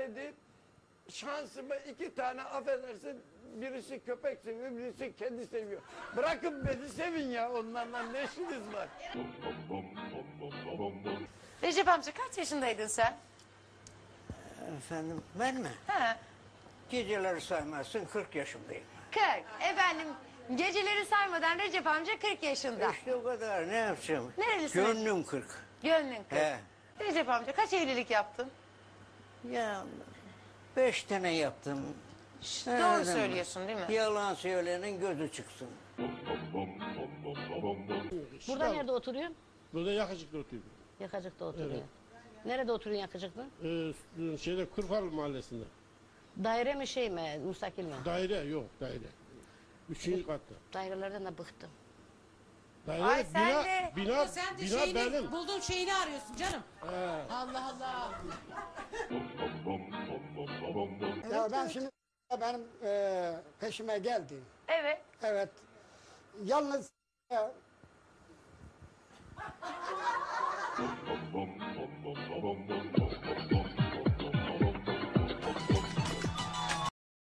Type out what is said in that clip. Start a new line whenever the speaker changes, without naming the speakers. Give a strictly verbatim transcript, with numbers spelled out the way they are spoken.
dedi, şansıma iki tane affedersin, birisi köpek seviyor, birisi kedi seviyor. Bırakın beni sevin ya, onlarla ne işiniz var?
Recep amca kaç yaşındaydın sen?
Efendim ben mi?
Ha,
Geceleri saymazsın kırk yaşındayım.
kırk. Efendim geceleri saymadan Recep amca kırk yaşında.
İşte o kadar ne yapacağım?
Nerelisin?
Gönlüm kırk.
Gönlün kırk.
He.
Recep amca kaç evlilik yaptın?
Ya beş tane yaptım.
Doğru
Nereden
söylüyorsun değil mi?
Yalan söyleyenin gözü çıksın.
Burada nerede oturuyorsun?
Burada Yakacık'ta oturuyorum.
Yakacık'ta oturuyor.
Evet.
Nerede oturuyorsun Yakacık'ta?
Ee, şeyde Kırkal Mahallesi'nde.
Daire mi şey mi? Müstakil mi?
Daire yok daire. Üçüncü katta.
Dairelerden de bıktım.
Daire
Ay sen
bina,
de-
bina,
Sen de
bina
şeyini,
benim.
bulduğun şeyini arıyorsun canım.
He.
Allah Allah.
Ya ben şimdi benim e, peşime geldi.
Evet.
Evet. Yalnız e,